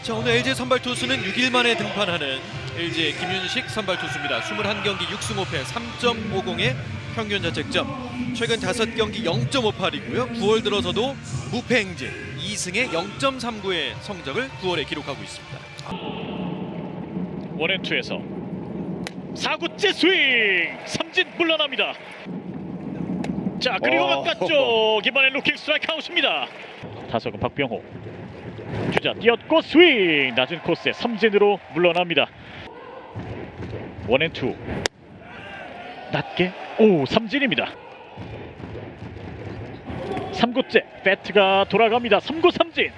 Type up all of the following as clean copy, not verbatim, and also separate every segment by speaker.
Speaker 1: 자, 오늘 LG 선발 투수는 6일 만에 등판하는 LG의 김윤식 선발 투수입니다. 21경기 6승 5패 3.50의 평균 자책점. 최근 5경기 0.58이고요. 9월 들어서도 무패 행진 2승에 0.39의 성적을 9월에 기록하고 있습니다.
Speaker 2: 원앤투에서 4구째 스윙! 삼진 물러납니다. 자, 그리고 바깥쪽 이번엔 루킹 스트라이크 아웃입니다. 타석은 박병호. 주자 뛰었고 스윙! 낮은 코스에 삼진으로 물러납니다. 원앤투 낮게 삼진입니다. 3구째 배트가 돌아갑니다. 3구 삼진.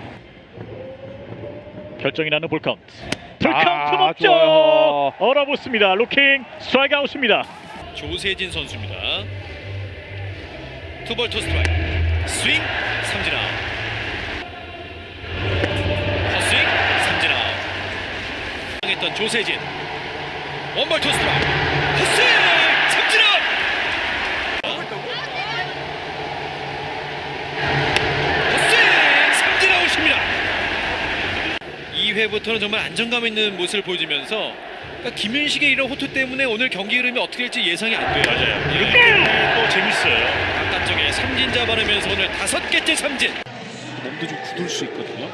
Speaker 2: 결정이 나는 볼카운트. 풀카운트 높죠.
Speaker 3: 좋아요.
Speaker 2: 얼어붙습니다. 루킹 스트라이크 아웃입니다.
Speaker 1: 조세진 선수입니다. 투볼 투 스트라이크. 스윙 삼진 아웃. 헛스윙 삼진 아웃. 당했던 조세진. 원볼 투 스트라이크. 헛스윙 삼진 아웃. 헛스윙 삼진 아웃입니다. 2회부터는 정말 안정감 있는 모습을 보여주면서 김윤식의 이런 호투 때문에 오늘 경기 흐름이 어떻게 될지 예상이 안 돼요.
Speaker 2: 맞아요. 이렇게 또 재밌어요.
Speaker 1: 바깥쪽에 삼진 잡아내면서 오늘 5개째 삼진.
Speaker 3: 몸도 좀 굳을 수 있거든요.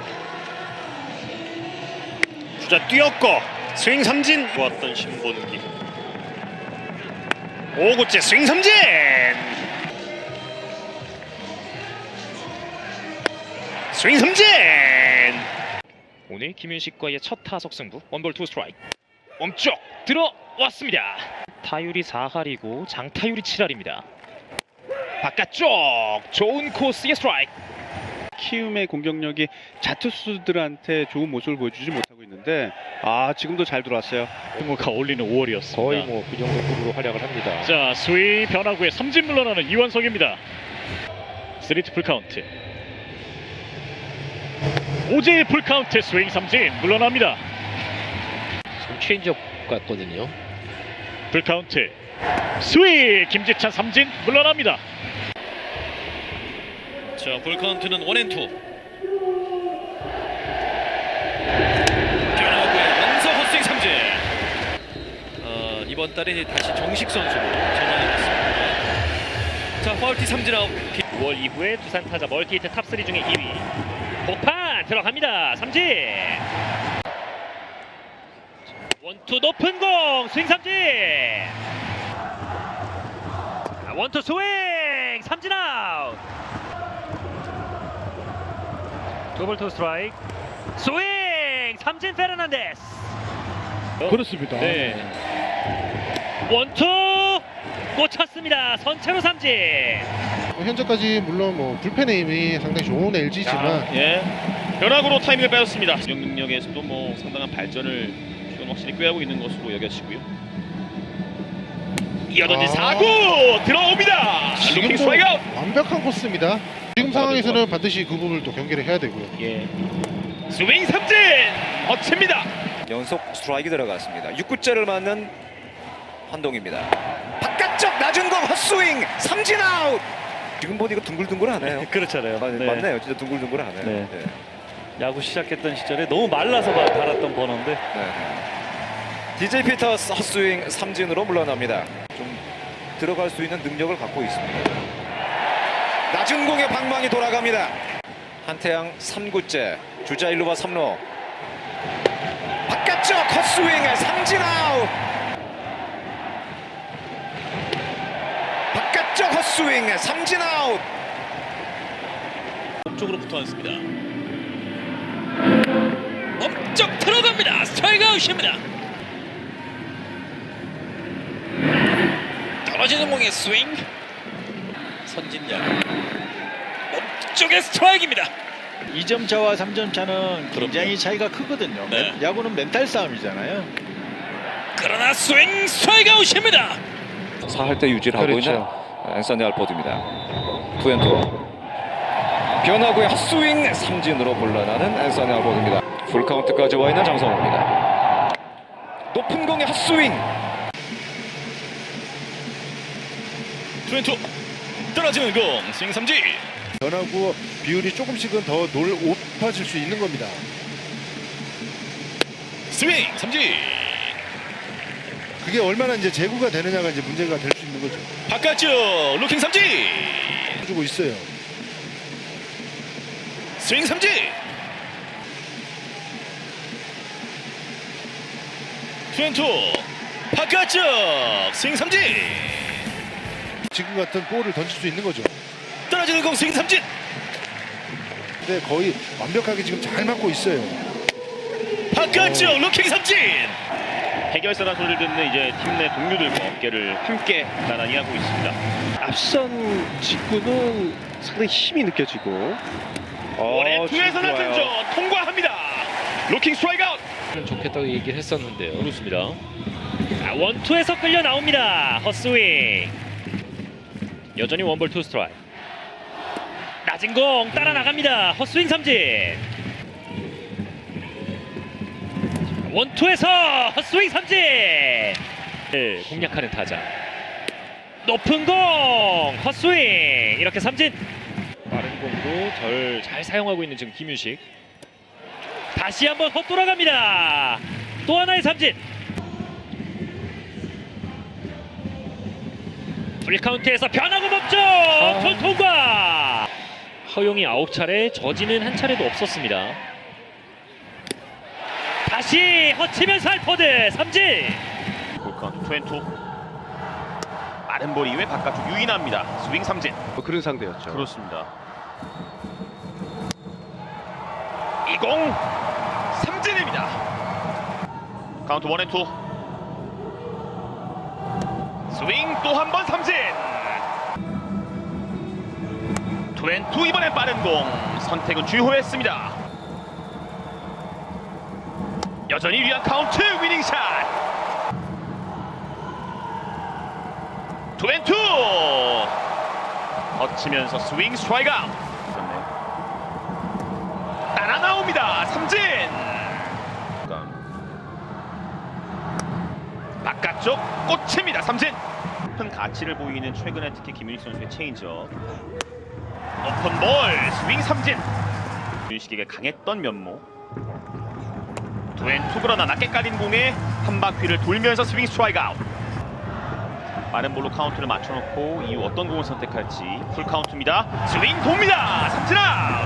Speaker 3: 주자 뛰었고 스윙 삼진. 좋았던 신본기. 5구째 스윙 삼진. 스윙 삼진.
Speaker 4: 오늘 김윤식과의 첫 타석 승부. 원볼 투 스트라이크. 멈쪽 들어왔습니다. 타율이 4할이고 장타율이 7할입니다. 바깥쪽 좋은 코스의 스트라이크.
Speaker 5: 키움의 공격력이 자투수들한테 좋은 모습을 보여주지 못하고 있는데 지금도 잘 들어왔어요.
Speaker 2: 승호가 어울리는 5월이었습니다.
Speaker 4: 거의 뭐 그 정도 급으로 활약을 합니다.
Speaker 2: 자, 스윙 변화구에 삼진 물러나는 이원석입니다. 3투 풀카운트. 오재의 풀카운트 스윙 삼진 물러납니다.
Speaker 4: 지금 체인지업 같거든요.
Speaker 2: 풀카운트 스윙 김지찬 삼진 물러납니다.
Speaker 1: 자, 볼카운트는 원앤투. 변화구의 연속 헛스윙 삼진. 이번 달에 이제 다시 정식 선수로 전환이 됐습니다. 자, 파울티 삼진 아웃.
Speaker 4: 9월 이후에 두산 타자 멀티히트 탑3 중에 2위. 복판 들어갑니다. 삼진. 원투 높은 공 스윙 삼진. 원투 스윙 삼진 아웃. 투볼 투 스트라이크. 스윙 삼진 페르난데스.
Speaker 3: 그렇습니다.
Speaker 4: 네. 원투 꽂혔습니다. 선체로 삼진.
Speaker 6: 현재까지 물론 뭐 불펜의 힘이 상당히 좋은 LG지만
Speaker 3: 변화구로 타이밍을 빼앗습니다.
Speaker 7: 공격 능력에서도 뭐 상당한 발전을 지금 확실히 꾀하고 있는 것으로 여겨지고요.
Speaker 3: 이어던진 4구 들어옵니다. 루킹 스트라이크 아웃.
Speaker 6: 완벽한 코스입니다. 지금 상황에서는 반드시 그 부분을 또 경기를 해야 되고요.
Speaker 3: 스윙 삼진 거칩니다.
Speaker 8: 연속 스트라이크 들어갔습니다. 6구째를 맞는 한동입니다. 바깥쪽 낮은 공 헛스윙 삼진 아웃. 지금 보니 이거 둥글둥글하네요.
Speaker 5: 그렇잖아요.
Speaker 8: 맞네요. 진짜 둥글둥글하네요.
Speaker 5: 네. 야구 시작했던 시절에 너무 말라서 달았던 번호인데
Speaker 8: DJ 피터스 헛스윙 삼진으로 물러납니다. 좀 들어갈 수 있는 능력을 갖고 있습니다. 낮은 공의 방망이 돌아갑니다. 한태양 3구째 주자 1루와 3루. 바깥쪽 헛스윙 삼진 아웃. 바깥쪽 헛스윙 삼진 아웃.
Speaker 1: 쪽으로 붙어 앉습니다. 엄쩍 들어갑니다. 스트라이크 아웃입니다. 떨어지는 공의 스윙. 선진야. 몸쪽의 스트라이크입니다.
Speaker 5: 2점 차와 3점 차는 굉장히 차이가 크거든요.
Speaker 1: 네.
Speaker 5: 야구는 멘탈 싸움이잖아요.
Speaker 1: 그러나 스윙 스트라이크 아웃입니다.
Speaker 8: 4할 때 유지를 하고 있는 앤서니 알포드입니다. 투앤투. 변화구의 헛스윙 삼진으로 물러나는 앤서니 알포드입니다. 풀카운트까지 와 있는 장성호입니다. 높은 공의 헛스윙.
Speaker 7: 투앤투 떨어지는 공 스윙 삼진.
Speaker 6: 변화구 비율이 조금씩은 더 높아질 수 있는 겁니다.
Speaker 3: 스윙 삼진.
Speaker 6: 그게 얼마나 이제 제구가 되느냐가 이제 문제가 될 수 있는 거죠.
Speaker 3: 바깥쪽 루킹 삼진.
Speaker 6: 주고 있어요.
Speaker 3: 스윙 삼진. 투앤투 바깥쪽 스윙 삼진.
Speaker 6: 지금 같은 볼을 던질 수 있는 거죠.
Speaker 3: 떨어지는 공 스윙 삼진.
Speaker 6: 근데 거의 완벽하게 지금 잘 맞고 있어요.
Speaker 3: 바깥쪽 루킹 삼진.
Speaker 7: 해결사란 소리를 듣는 이제 팀 내 동료들과 어깨를 함께 나란히 하고 있습니다.
Speaker 5: 앞선 직구는 상당히 힘이 느껴지고.
Speaker 7: 원앤 투에서
Speaker 5: 지금
Speaker 7: 낮은
Speaker 5: 좋아요.
Speaker 7: 저 통과합니다. 루킹 스트라이크 아웃.
Speaker 4: 좋겠다고 얘기를 했었는데요.
Speaker 7: 그렇습니다.
Speaker 4: 자, 원투에서 끌려 나옵니다. 헛스윙. 여전히 원볼 투 스트라이크. 낮은 공 따라 나갑니다. 헛스윙 삼진. 원투에서 헛스윙 삼진. 네, 공략하는 타자. 높은 공 헛스윙. 이렇게 삼진. 빠른 공도 잘 사용하고 있는 지금 김윤식. 다시 한번 헛돌아갑니다. 또 하나의 삼진. 풀카운트에서 변화구 멈춰 전 통과. 허용이 9차례, 저지는 한 차례도 없었습니다. 다시 허치면서 할포드 삼진.
Speaker 7: 볼카운트 투앤투. 빠른 볼 이후에 바깥쪽 유인합니다. 스윙 삼진.
Speaker 5: 그런 상대였죠.
Speaker 7: 그렇습니다. 이 공 삼진입니다. 카운트 원앤투. 스윙 또 한 번 삼진. 투앤투. 이번엔 빠른 공 선택은 주효했습니다. 여전히 유리한 카운트. 위닝샷. 투앤투. 거치면서 스윙 스트라이크 아웃. 따라 나옵니다. 삼진. 바깥쪽 꽂힙니다. 삼진. 큰 가치를 보이는 최근에 특히 김윤식 선수의 체인지업. 오픈 볼 스윙 삼진. 윤식에게 강했던 면모. 투앤투. 그러나 낮게 깔린 공에 한 바퀴를 돌면서 스윙 스트라이크 아웃. 빠른 볼로 카운트를 맞춰놓고 이후 어떤 공을 선택할지. 풀 카운트입니다. 스윙 돕니다. 삼진 아웃.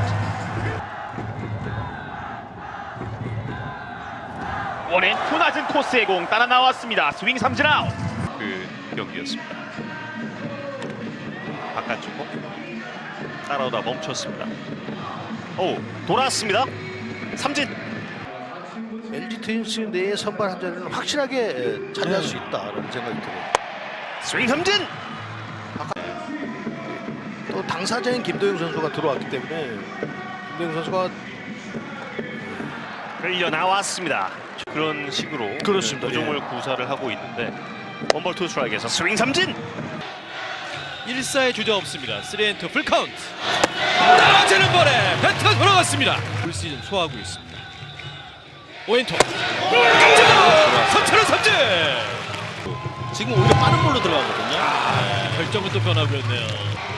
Speaker 7: 원앤투. 낮은 코스의 공 따라 나왔습니다. 스윙 삼진 아웃. 그 경기였습니다. 바깥쪽 공 따라오다 멈췄습니다. 오, 돌아왔습니다. 삼진.
Speaker 6: LG 트윈스 내의 선발 한 자리는 확실하게 차지할 수 있다라는 생각이 들어요.
Speaker 3: 스윙 삼진.
Speaker 6: 또 당사자인 김도영 선수가 들어왔기 때문에 김도영 선수가
Speaker 3: 끌려 나왔습니다. 그런 식으로
Speaker 6: 그렇습니다.
Speaker 3: 구종을 구사를 하고 있는데 원볼 투 스트라이크에서 스윙 삼진.
Speaker 1: 1사의 주저 없습니다. 3&2 풀카운트. 떨어지는 볼에 배트가 돌아갔습니다. 올 시즌 소화하고 있습니다. 5&2 3차로 삼진.
Speaker 3: 지금 오히려 빠른 볼로 들어가거든요.
Speaker 1: 결정은 또 변화구였네요.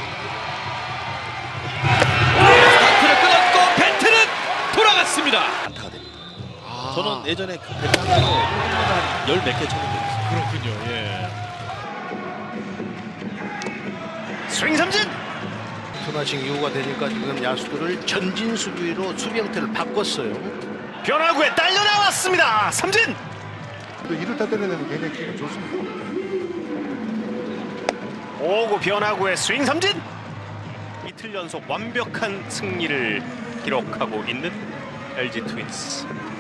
Speaker 1: 스타트를 끊었고 배트는 돌아갔습니다.
Speaker 3: 안타가 됩니다. 저는 예전에 그 배트하면서 한 열 몇 개 쳤는데
Speaker 1: 그렇군요. 예.
Speaker 3: 스윙 삼진.
Speaker 6: 투나싱 이후가 되니까 지금 야수들을 전진 수비로 수비 형태를 바꿨어요.
Speaker 3: 변화구에 딸려 나왔습니다. 삼진.
Speaker 6: 이를 다 때려내면 굉장히 기분 좋습니다.
Speaker 3: 오고 변화구에 스윙 삼진. 이틀 연속 완벽한 승리를 기록하고 있는 LG 트윈스.